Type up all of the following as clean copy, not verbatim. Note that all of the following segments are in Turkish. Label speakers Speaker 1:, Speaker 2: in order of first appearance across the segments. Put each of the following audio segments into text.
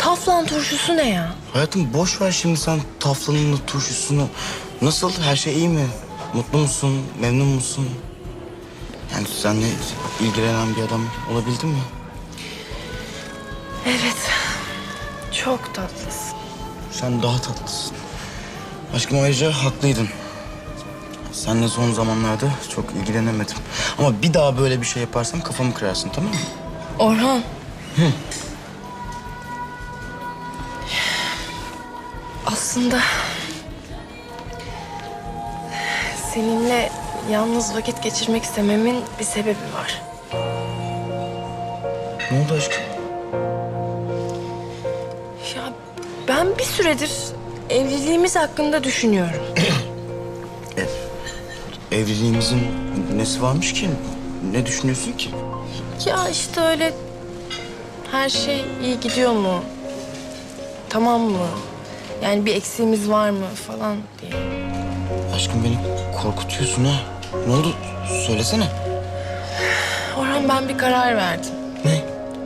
Speaker 1: Taflan turşusu ne ya?
Speaker 2: Hayatım boş ver şimdi sen taflanını, turşusunu. Nasıl? Her şey iyi mi? Mutlu musun? Memnun musun? Yani seninle ilgilenen bir adam olabildin mi?
Speaker 1: Evet. Çok tatlısın.
Speaker 2: Sen daha tatlısın. Aşkım ayrıca haklıydın. Seninle son zamanlarda çok ilgilenemedim. Ama bir daha böyle bir şey yaparsam kafamı kırarsın, tamam mı?
Speaker 1: Orhan. Aslında seninle yalnız vakit geçirmek istememin bir sebebi var.
Speaker 2: Ne oldu aşkım?
Speaker 1: Ya ben bir süredir evliliğimiz hakkında düşünüyorum.
Speaker 2: Evliliğimizin nesi varmış ki? Ne düşünüyorsun ki?
Speaker 1: Ya işte öyle her şey iyi gidiyor mu? Tamam mı? Yani bir eksiğimiz var mı falan diye.
Speaker 2: Aşkım beni korkutuyorsun ha. Ne oldu? Söylesene.
Speaker 1: Orhan ben bir karar verdim.
Speaker 2: Ne?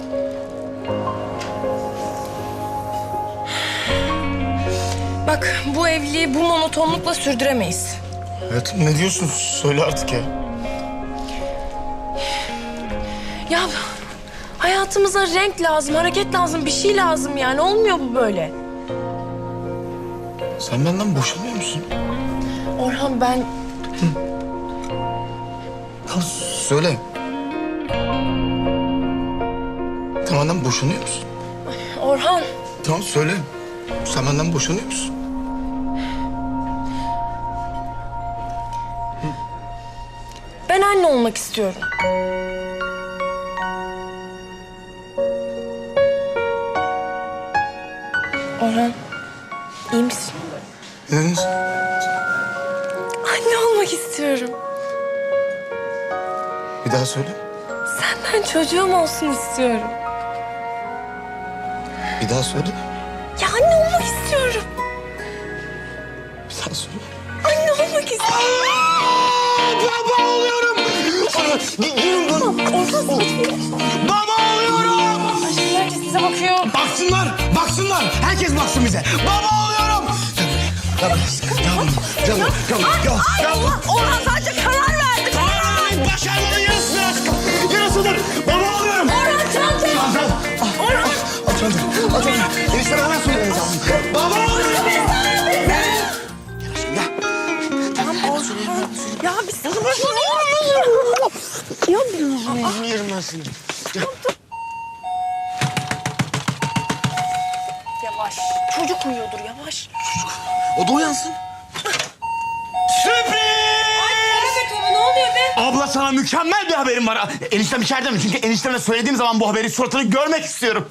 Speaker 1: Bak bu evliliği bu monotonlukla sürdüremeyiz.
Speaker 2: Hayatım ne diyorsun? Söyle artık ya.
Speaker 1: Ya hayatımıza renk lazım, hareket lazım, bir şey lazım yani. Olmuyor bu böyle.
Speaker 2: Sen benden boşanmıyor musun?
Speaker 1: Orhan ben...
Speaker 2: Ya söyle. Sen benden boşanıyor musun?
Speaker 1: Orhan
Speaker 2: Tamam söyle. Sen benden boşanıyor musun?
Speaker 1: ben anne olmak istiyorum. Orhan iyi misin?
Speaker 2: Evet.
Speaker 1: Anne olmak istiyorum.
Speaker 2: Bir daha söyle.
Speaker 1: Senden çocuğum olsun istiyorum.
Speaker 2: Bir daha söyle.
Speaker 1: Ya anne olmak istiyorum.
Speaker 2: Bir daha söyle.
Speaker 1: Anne olmak istiyorum.
Speaker 2: Baba oluyorum. Baba oluyorum.
Speaker 1: Herkes size bakıyor.
Speaker 2: Baksınlar, baksınlar. Herkes baksın bize. Baba oluyorum.
Speaker 1: Orhan sadece karar verdi.
Speaker 2: Başarmanın yarısıdır aşkım. Yarısıdır. Baba oluyorum.
Speaker 1: Orhan çanta.
Speaker 2: Çantam.
Speaker 1: Orhan.
Speaker 2: Al çantam. Al çantam. Enişteme hemen söylememiz lazım. Baba oluyorum.
Speaker 1: Ya bir sana Ya
Speaker 2: Ağzını yerim ben seni.
Speaker 1: Yavaş. Çocuk uyuyordur yavaş.
Speaker 2: O da uyansın. Sürpriz!
Speaker 1: Evet abi ne oluyor be?
Speaker 2: Abla sana mükemmel bir haberim var. Eniştem içeride mi? Çünkü enişteme söylediğim zaman bu haberi suratını görmek istiyorum.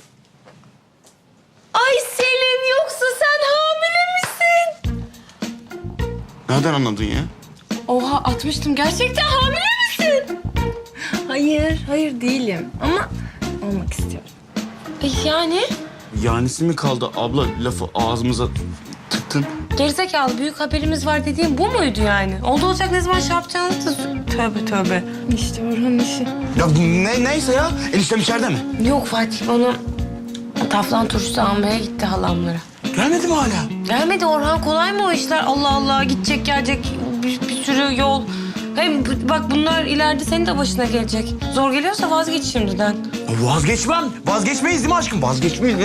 Speaker 1: Ay Selim yoksa sen hamile misin?
Speaker 2: Nereden anladın ya?
Speaker 1: Oha atmıştım. Gerçekten hamile misin? Hayır değilim ama olmak istiyorum. Yani?
Speaker 2: Yanisi mi kaldı abla lafı ağzımıza tıktın?
Speaker 1: Gerizekalı büyük haberimiz var dediğim bu muydu yani? Oldu olacak ne zaman şey yapacağını da... Tövbe. İşte Orhan'ın işi.
Speaker 2: Ya neyse ya. Eniştem içeride mi?
Speaker 1: Yok Fatih onu taflan turşusu almaya gitti halamlara.
Speaker 2: Gelmedi mi hala?
Speaker 1: Gelmedi Orhan kolay mı o işler? Allah Allah gidecek gelecek bir sürü yol. Hem bak bunlar ileride senin de başına gelecek. Zor geliyorsa vazgeç şimdiden.
Speaker 2: Vazgeçmem. Vazgeçmeyiz değil mi aşkım? Vazgeçmeyiz.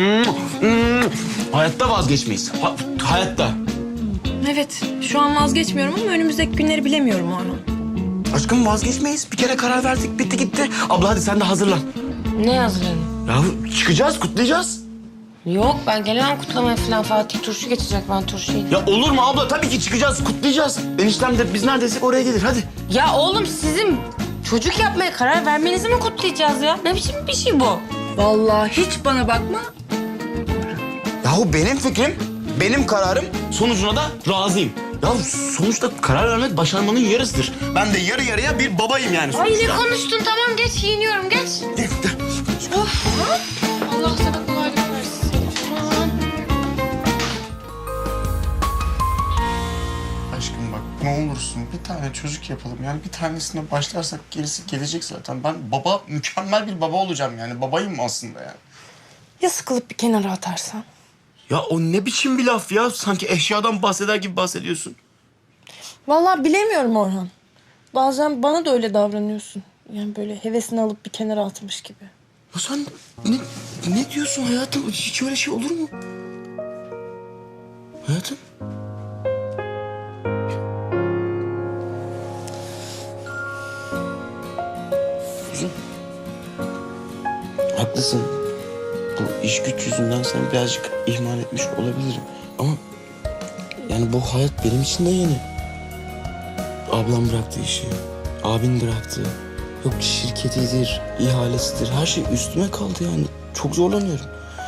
Speaker 2: Hayatta vazgeçmeyiz. Hayatta.
Speaker 1: Evet şu an vazgeçmiyorum ama önümüzdeki günleri bilemiyorum Orhan.
Speaker 2: Aşkım vazgeçmeyiz. Bir kere karar verdik. Bitti gitti. Abla hadi sen de hazırlan.
Speaker 1: Ne hazırlanayım?
Speaker 2: Ya çıkacağız, kutlayacağız.
Speaker 1: Yok ben gelemem kutlamaya falan. Fatih turşu geçecek ben turşuyu.
Speaker 2: Ya olur mu abla? Tabii ki çıkacağız, kutlayacağız. Eniştem de biz neredeysek oraya gelir. Hadi.
Speaker 1: Ya oğlum sizin çocuk yapmaya karar vermenizi mi kutlayacağız ya? Ne biçim bir şey bu? Vallahi hiç bana bakma.
Speaker 2: Yahu benim fikrim, benim kararım. Sonucuna da razıyım. Ya sonuçta karar vermek başarmanın yarısıdır. Ben de yarı yarıya bir babayım yani
Speaker 1: Ay
Speaker 2: sonuçta.
Speaker 1: ne konuştun tamam geç giyiniyorum geç. Of. Allah sana kolaylık versin. Aman.
Speaker 2: Aşkım bak ne olursun bir tane çocuk yapalım. Yani bir tanesine başlarsak gerisi gelecek zaten. Ben mükemmel bir baba olacağım yani. Babayım aslında yani.
Speaker 3: Ya sıkılıp bir kenara atarsan?
Speaker 2: Ya o ne biçim bir laf ya? Sanki eşyadan bahseder gibi bahsediyorsun.
Speaker 3: Vallahi bilemiyorum Orhan. Bazen bana da öyle davranıyorsun. Yani böyle hevesini alıp bir kenara atmış gibi.
Speaker 2: Ya sen ne diyorsun hayatım? Hiç öyle şey olur mu? Hayatım? Kuzum. Haklısın. Bu iş güç yüzünden sen birazcık ihmal etmiş olabilirim. Ama yani bu hayat benim için de yeni. Ablam bıraktı işi. Abin bıraktı. Yok şirketidir, ihalesidir. Her şey üstüme kaldı yani. Çok zorlanıyorum.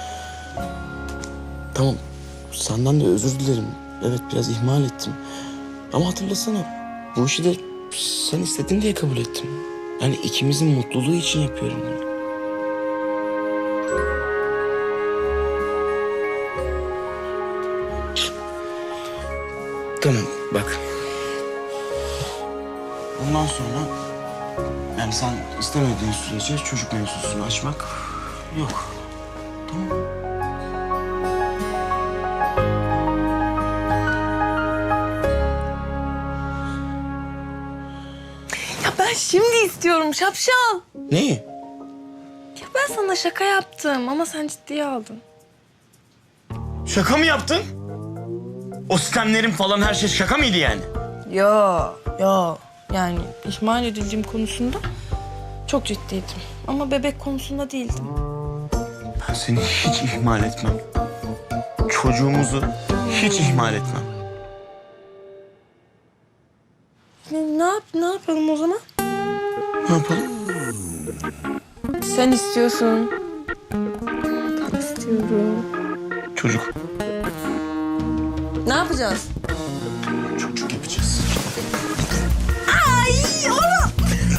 Speaker 2: Tamam. Senden de özür dilerim. Evet biraz ihmal ettim. Ama hatırlasana. Bu işi de sen istedin diye kabul ettim. Yani ikimizin mutluluğu için yapıyorum bunu. Tamam bak. Bundan sonra yani sen istemediğin sürece çocuk mevzusunu açmak yok. Tamam.
Speaker 3: Ya ben şimdi istiyorum şapşal.
Speaker 2: Neyi?
Speaker 3: Ya ben sana şaka yaptım ama sen ciddiye aldın.
Speaker 2: Şaka mı yaptın? O sistemlerin falan her şey şaka mıydı yani?
Speaker 3: Ya yani ihmal edildiğim konusunda çok ciddiydim. Ama bebek konusunda değildim.
Speaker 2: Ben seni hiç ihmal etmem. Çocuğumuzu hiç ihmal etmem.
Speaker 3: Ne yapalım o zaman?
Speaker 2: Ne yapalım?
Speaker 3: Sen istiyorsun. Ben istiyorum.
Speaker 2: Çocuk.
Speaker 3: Ne yapacağız?
Speaker 2: Çocuk yapacağız.
Speaker 3: Ay oğlum.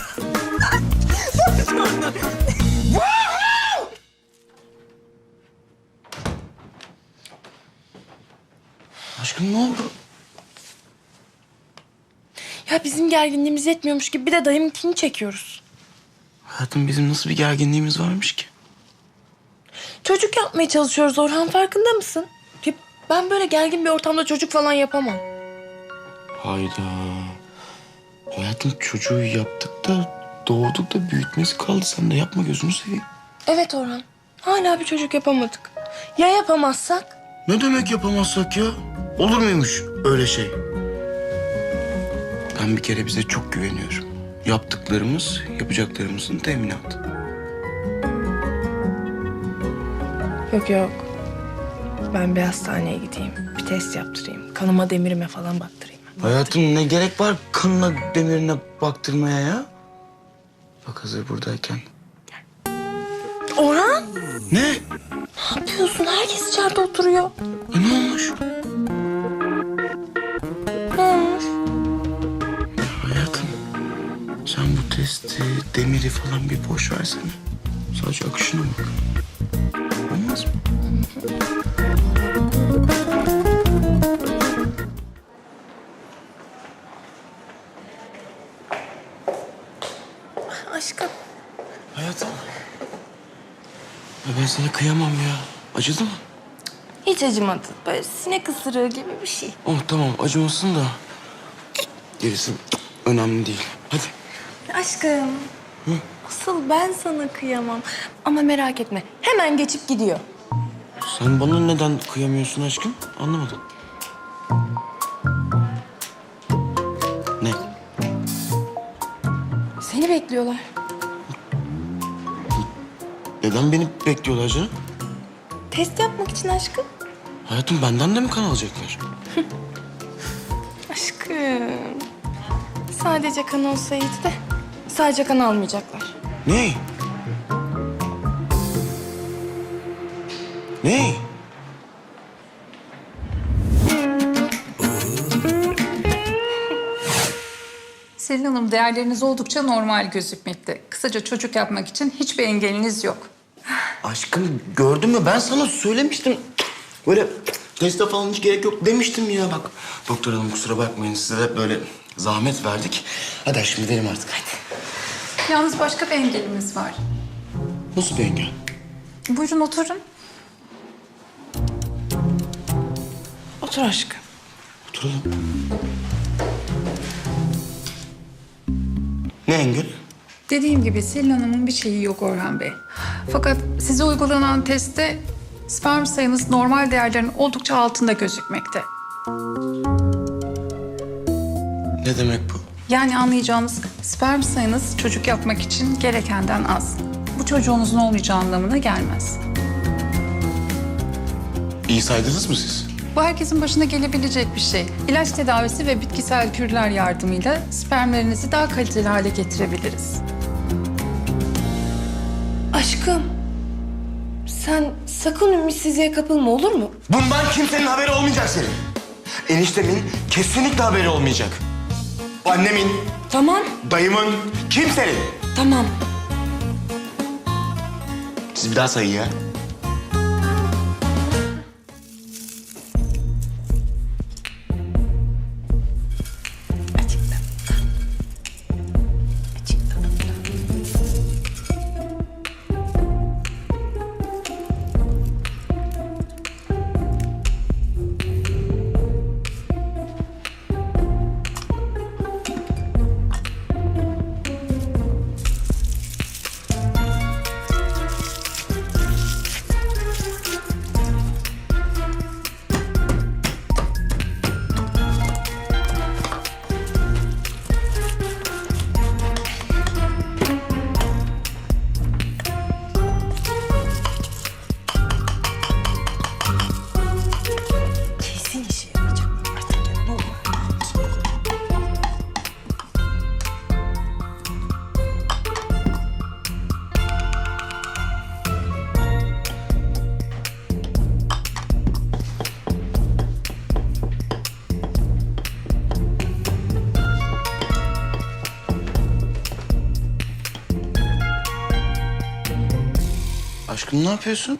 Speaker 2: Aşkım ne oldu?
Speaker 3: Ya bizim gerginliğimiz yetmiyormuş gibi bir de dayımınkini çekiyoruz.
Speaker 2: Hayatım bizim nasıl bir gerginliğimiz varmış ki?
Speaker 3: Çocuk yapmaya çalışıyoruz Orhan, farkında mısın? Ya ben böyle gergin bir ortamda çocuk falan yapamam.
Speaker 2: Hayda. Hayatım çocuğu yaptık da doğurduk da büyütmesi kaldı. Sen de yapma gözünü seveyim.
Speaker 3: Evet Orhan, hala bir çocuk yapamadık. Ya yapamazsak?
Speaker 2: Ne demek yapamazsak ya? Olur muymuş öyle şey? Ben bir kere bize çok güveniyorum. Yaptıklarımız, yapacaklarımızın teminatı.
Speaker 3: Yok. Ben bir hastaneye gideyim. Bir test yaptırayım. Kanıma demirime falan baktırayım.
Speaker 2: Hayatım ne gerek var kanına demirine baktırmaya ya? Bak hazır buradayken.
Speaker 3: Orhan!
Speaker 2: Ne?
Speaker 3: Ne yapıyorsun? Herkes içeride oturuyor.
Speaker 2: Ne olmuş?
Speaker 3: Ne olmuş?
Speaker 2: Hayatım sen bu testi, demiri falan bir boş versene. Sadece akışına bak. Olmaz mı?
Speaker 3: Aşkım.
Speaker 2: Hayatım. Ya ben sana kıyamam ya. Acıdı mı?
Speaker 3: Hiç acımadı. Böyle sinek ısırığı gibi bir şey.
Speaker 2: Oh tamam acımasın da. Gerisi önemli değil. Hadi.
Speaker 3: Aşkım. Asıl ben sana kıyamam. Ama merak etme. Hemen geçip gidiyor.
Speaker 2: Sen bana neden kıyamıyorsun aşkım? Anlamadım. Ne?
Speaker 3: Seni bekliyorlar.
Speaker 2: Neden beni bekliyorlar canım?
Speaker 3: Test yapmak için aşkım.
Speaker 2: Hayatım benden de mi kan alacaklar?
Speaker 3: Aşkım. Sadece kan olsaydı da sadece kan almayacaklar.
Speaker 2: Ne? Ne?
Speaker 4: Selin Hanım, değerleriniz oldukça normal gözükmekte. Kısaca çocuk yapmak için hiçbir engeliniz yok.
Speaker 2: Aşkım gördün mü ben sana söylemiştim. Böyle teste falan hiç gerek yok demiştim ya bak. Doktor hanım kusura bakmayın size de böyle zahmet verdik. Hadi aşkım gidelim artık.
Speaker 4: Yalnız başka bir engelimiz var.
Speaker 2: Nasıl bir engel?
Speaker 4: Buyurun oturun.
Speaker 3: Otur aşkım.
Speaker 2: Oturalım. Ne Engin?
Speaker 4: Dediğim gibi Selin Hanım'ın bir şeyi yok Orhan Bey. Fakat size uygulanan testte sperm sayınız normal değerlerin oldukça altında gözükmekte.
Speaker 2: Ne demek bu?
Speaker 4: Yani anlayacağınız sperm sayınız çocuk yapmak için gerekenden az. Bu çocuğunuzun olmayacağı anlamına gelmez.
Speaker 2: İyi saydınız mı siz?
Speaker 4: Bu herkesin başına gelebilecek bir şey. İlaç tedavisi ve bitkisel kürler yardımıyla spermlerinizi daha kaliteli hale getirebiliriz.
Speaker 3: Aşkım, sen sakın ümitsizliğe kapılma, olur mu?
Speaker 2: Bundan kimsenin haberi olmayacak senin. Eniştemin kesinlikle haberi olmayacak. Annemin,
Speaker 3: Tamam,
Speaker 2: dayımın, kimsenin.
Speaker 3: tamam.
Speaker 2: Siz bir daha sayın ya.
Speaker 3: Kesin işe yarayacak. Artık ya, ne olur.
Speaker 2: Aşkım ne yapıyorsun?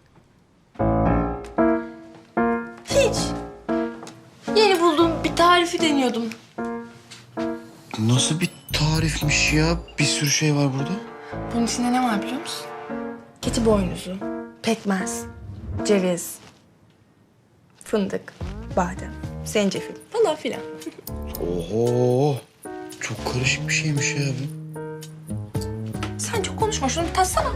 Speaker 3: Hiç. Yeni bulduğum bir tarifi deniyordum.
Speaker 2: Nasıl bir tarifmiş ya? Bir sürü şey var burada.
Speaker 3: Bunun içinde ne var biliyor musun? Keçi boynuzu, pekmez, ceviz, fındık, badem, zencefil falan filan.
Speaker 2: Oho! Çok karışık bir şeymiş ya bu.
Speaker 3: Sen çok konuşma, şunu bir tatsana.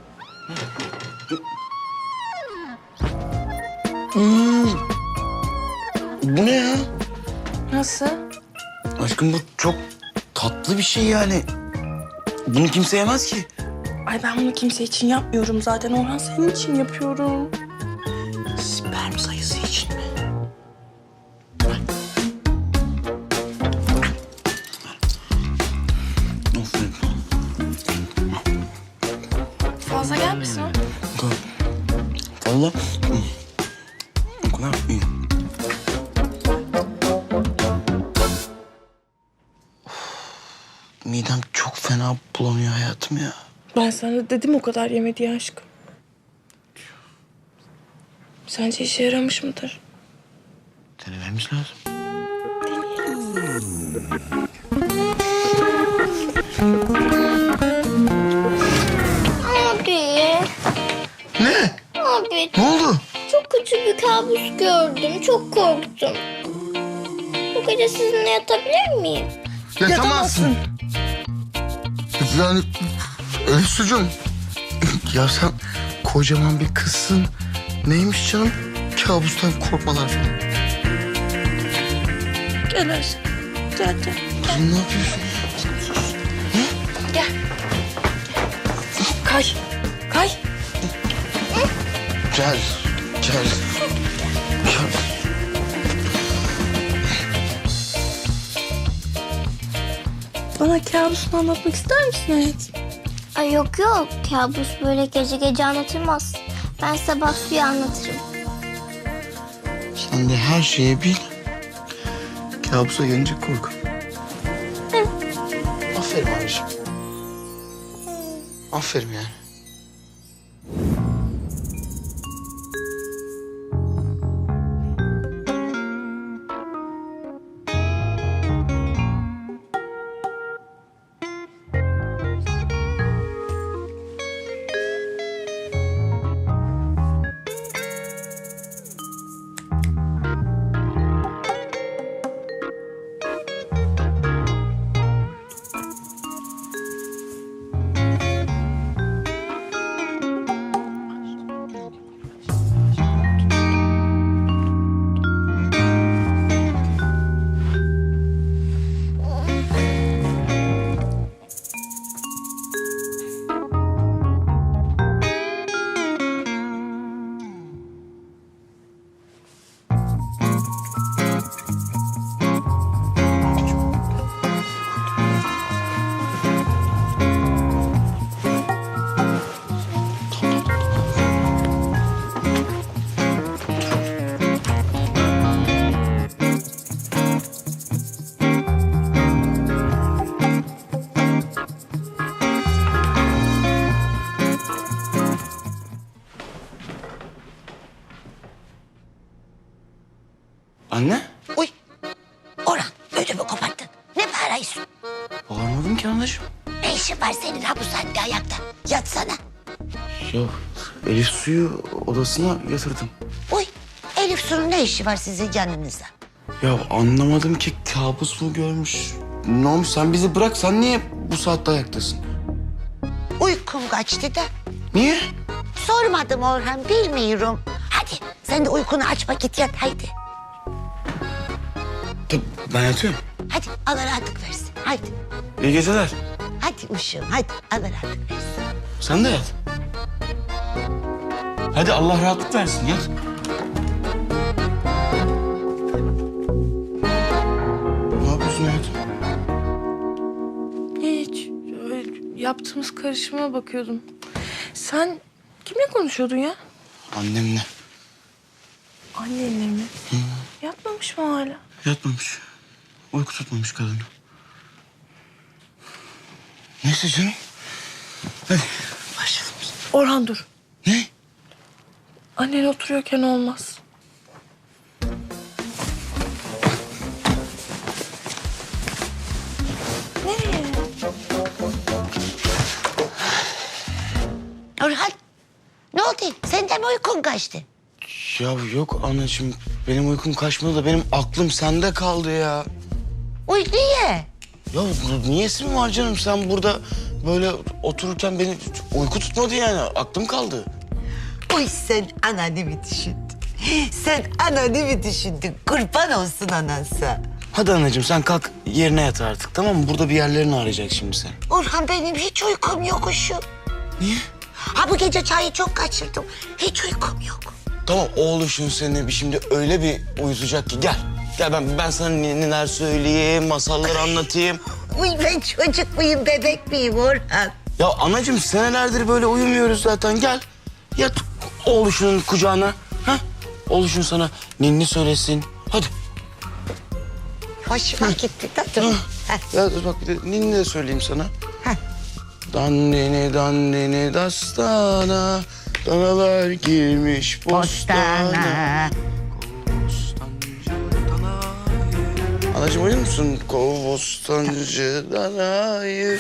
Speaker 2: Bu ne ya?
Speaker 3: Nasıl?
Speaker 2: Aşkım bu çok tatlı bir şey yani. Bunu kimse yemez ki.
Speaker 3: Ay ben bunu kimse için yapmıyorum zaten. Orhan senin için yapıyorum.
Speaker 2: Sperm sayısı için mi? Aferin.
Speaker 3: Fazla gelmesin o.
Speaker 2: Valla o kadar iyi. Midem çok fena bulanıyor hayatım ya.
Speaker 3: Ben sana dedim o kadar yeme diye aşkım. Sence işe yaramış mıdır?
Speaker 2: Denememiz lazım.
Speaker 5: Abi,
Speaker 2: Ne?
Speaker 5: abi
Speaker 2: Ne oldu?
Speaker 5: çok kötü bir kabus gördüm. Çok korktum. Bu gece sizinle yatabilir miyim?
Speaker 2: Yatamazsın. Yani Ölüsücüm. Ya sen kocaman bir kızsın. Neymiş canım? Kabustan korkmalar falan.
Speaker 3: Gel aşkım. Gel gel.
Speaker 2: Kızım ne yapıyorsun?
Speaker 3: Gel. Kay. Kay.
Speaker 2: Gel. Gel. Gel.
Speaker 3: Bana kabusunu anlatmak ister misin hayatım?
Speaker 5: Ay yok yok. Kabus böyle gece gece anlatılmaz. Ben sabah suyu anlatırım.
Speaker 2: Sen de her şeyi bil. Kabusa gelince kork. Aferin abiciğim. Aferin yani.
Speaker 6: senin ha bu saatte ayakta? Yatsana.
Speaker 2: Ya Elif Su'yu odasına yatırdım.
Speaker 6: Uy, Elif Su'nun ne işi var sizin yanınızda?
Speaker 2: Ya anlamadım ki, kabus mu görmüş? Ne olmuş, sen bizi bırak, sen niye bu saatte ayaktasın?
Speaker 6: Uykum kaçtı da.
Speaker 2: Niye?
Speaker 6: Sormadım Orhan, bilmiyorum. Hadi sen de uykunu açma, git yat haydi.
Speaker 2: Tabii ben yatıyorum.
Speaker 6: Hadi Allah rahatlık versin. Haydi.
Speaker 2: İyi geceler.
Speaker 6: Hadi uşağım, hadi Allah rahatlık versin.
Speaker 2: Sen de yat. Hadi Allah rahatlık versin, yat. Ne yapıyorsun hayatım?
Speaker 3: Hiç. Öyle yaptığımız karışıma bakıyordum. Sen kimle konuşuyordun ya?
Speaker 2: Annemle.
Speaker 3: Annenle mi? Yatmamış mı hala?
Speaker 2: Yatmamış. Uyku tutmamış kadını. Neyse canım. Hadi başlayalım biz.
Speaker 3: Orhan dur.
Speaker 2: Ne?
Speaker 3: Annen oturuyorken olmaz. Nereye?
Speaker 6: Orhan, ne oldu? Senden mi uykun kaçtı?
Speaker 2: Ya yok anacığım. Benim uykum kaçmadı da benim aklım sende kaldı ya.
Speaker 6: Uy niye?
Speaker 2: Ya niyesi mi var canım? Sen burada böyle otururken beni uyku tutmadı yani. Aklım kaldı.
Speaker 6: Uy sen ananı mı düşündün? Sen ananı mı düşündün? Kurban olsun anansa.
Speaker 2: Hadi anacığım sen kalk yerine yat artık, tamam mı? Burada bir yerlerini arayacak şimdi sen.
Speaker 6: Orhan benim hiç uykum yok uşum.
Speaker 2: Niye?
Speaker 6: Ha bu gece çayı çok kaçırdım. Hiç uykum yok.
Speaker 2: Tamam oğluşun seni şimdi öyle bir uyutacak ki gel. Gel ben sana neler söyleyeyim, masallar anlatayım.
Speaker 6: Uy ben çocuk muyum, bebek miyim Orhan?
Speaker 2: Ya anacığım senelerdir böyle uyumuyoruz zaten. Gel yat oğluşunun kucağına. Ha? Oğluşun sana ninni söylesin. Hadi.
Speaker 6: Hoşuma gitti de dur. Heh.
Speaker 2: Ya dur bak bir de ninni de söyleyeyim sana.
Speaker 6: Heh.
Speaker 2: Dandini dandini dastana, danalar girmiş bostana. Anacığım uyuyor musun? Kovostancı danayı.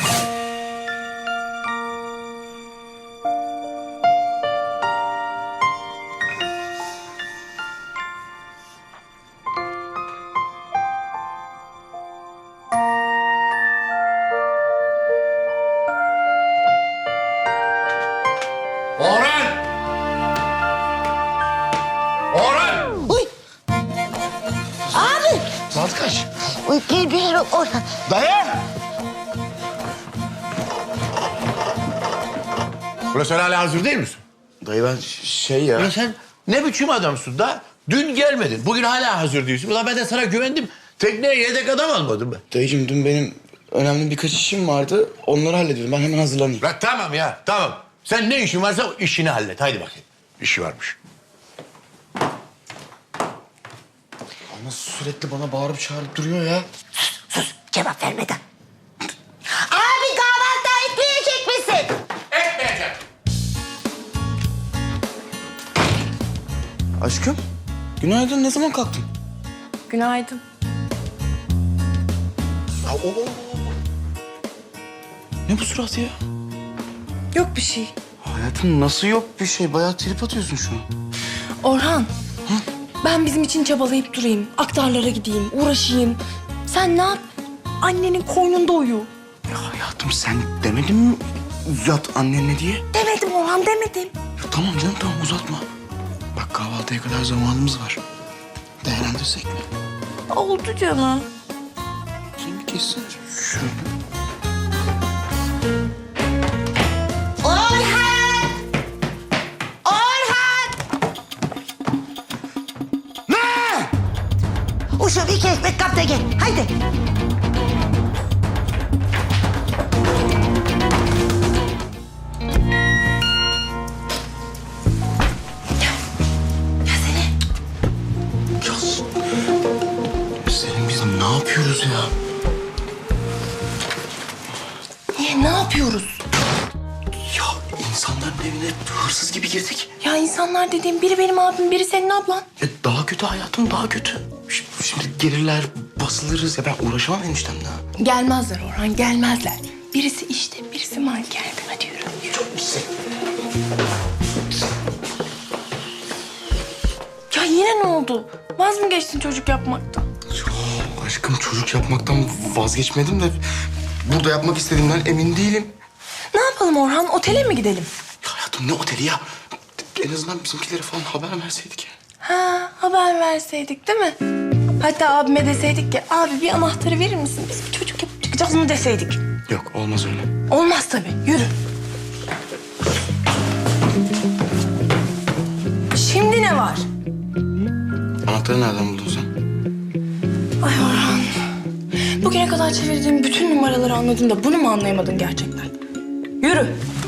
Speaker 7: Orhan! Orhan!
Speaker 6: Uy. Abi.
Speaker 2: Saat kaç?
Speaker 6: Uy bilmiyorum Orhan.
Speaker 2: Dayan!
Speaker 7: Ulan sen hala hazır değil misin?
Speaker 2: Dayı ben şey ya...
Speaker 7: Ulan sen ne biçim adamsın da? Dün gelmedin. Bugün hala hazır değilsin. Ulan ben de sana güvendim. Tekneye yedek adam almadım ben.
Speaker 2: Dayıcığım dün benim önemli birkaç işim vardı. Onları hallediyordum. Ben hemen hazırlanayım.
Speaker 7: Ulan tamam ya, tamam. Sen ne işin varsa o işini hallet. Haydi bakayım. İşi varmış.
Speaker 2: Ama sürekli bana bağırıp çağırıp duruyor ya.
Speaker 6: Sus cevap vermeden. Abi kahvaltı etmeyecek misin?
Speaker 7: Etmeyeceğim.
Speaker 2: Aşkım, günaydın. Ne zaman kalktın?
Speaker 3: Günaydın.
Speaker 2: Ya, Ne bu surat ya?
Speaker 3: Yok bir şey.
Speaker 2: Hayatım nasıl yok bir şey? Bayağı trip atıyorsun şu an.
Speaker 3: Orhan. Ben bizim için çabalayıp durayım. Aktarlara gideyim, uğraşayım. Sen ne yap? Annenin koynunda uyu.
Speaker 2: Ya hayatım sen demedin mi yat annenle diye?
Speaker 3: Demedim Orhan, demedim.
Speaker 2: Ya tamam canım tamam uzatma. Bak kahvaltıya kadar zamanımız var. Değerlendirsek mi?
Speaker 3: Oldu canım.
Speaker 2: Sen bir kessene. Şöyle.
Speaker 6: Orhan! Orhan!
Speaker 2: Ne?
Speaker 6: Uşum 2 ekmek kap da gel. Haydi.
Speaker 2: Senin biz ne yapıyoruz ya?
Speaker 3: Ne yapıyoruz?
Speaker 2: Ya insanların evine hırsız gibi girdik.
Speaker 3: Ya insanlar dediğim biri benim abim, biri senin ablan.
Speaker 2: Daha kötü hayatım daha kötü. Şimdi gelirler basılırız ya ben uğraşamam eniştemle.
Speaker 3: Gelmezler Orhan, gelmezler. Birisi işte, birisi mankerde. Hadi yürü. Çok güzel. Ya yine ne oldu? Vaz mı geçtin çocuk yapmaktan?
Speaker 2: Aşkım çocuk yapmaktan vazgeçmedim de burada yapmak istediğimden emin değilim.
Speaker 3: Ne yapalım Orhan? Otele mi gidelim?
Speaker 2: Hayatım ne oteli ya? En azından bizimkilere falan haber verseydik ya.
Speaker 3: Ha, haber verseydik değil mi? Hatta abime deseydik ki, abi bir anahtarı verir misin? Biz bir çocuk yapıp çıkacağız mı deseydik.
Speaker 2: Yok olmaz öyle.
Speaker 3: Olmaz tabii. Yürü. Şimdi ne var?
Speaker 2: Anahtarı nereden buldun sen?
Speaker 3: Ay Orhan. Bugüne kadar çevirdiğim bütün numaraları anladın da bunu mu anlayamadın gerçekten? Yürü.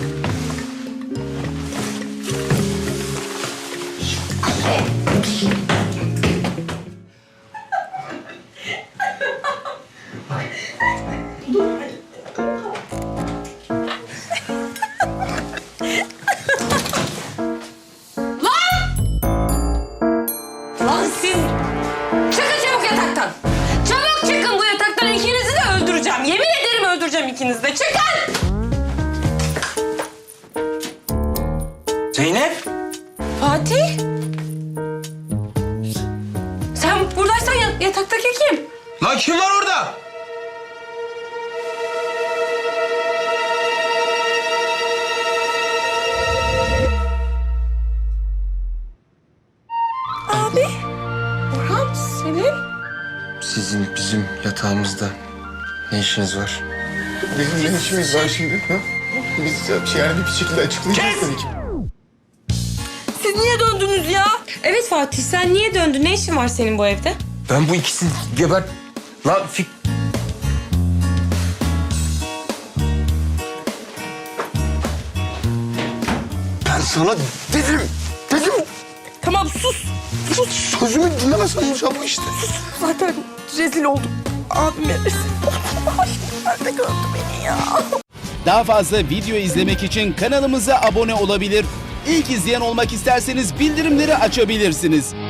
Speaker 1: Lan siz! Çıkın çabuk yataktan! Çabuk çıkın bu yataktan! İkinizi de öldüreceğim. Yemin ederim öldüreceğim ikinizi de. Çıkın!
Speaker 2: Zeynep!
Speaker 1: Fatih! Sen buradaysan yataktaki kim?
Speaker 2: Lan kim var orada?
Speaker 3: Abi. Orhan, senin?
Speaker 2: Sizin bizim yatağımızda ne işiniz var? Bizim ne işimiz var şimdi? Ha? Biz yani bir şekilde açıklayacağız dedik.
Speaker 3: Siz niye döndünüz ya?
Speaker 1: Evet Fatih, sen niye döndün? Ne işin var senin bu evde?
Speaker 2: Ben bu ikisini geber... Lan Ben sana dedim.
Speaker 3: Tamam sus.
Speaker 2: Sözümü dinlemesen olacak bu işte.
Speaker 3: Zaten rezil oldum. Abime rezil oldum. Ay, nerede gördü beni ya?
Speaker 8: Daha fazla video izlemek için kanalımıza abone olabilir. İlk izleyen olmak isterseniz bildirimleri açabilirsiniz.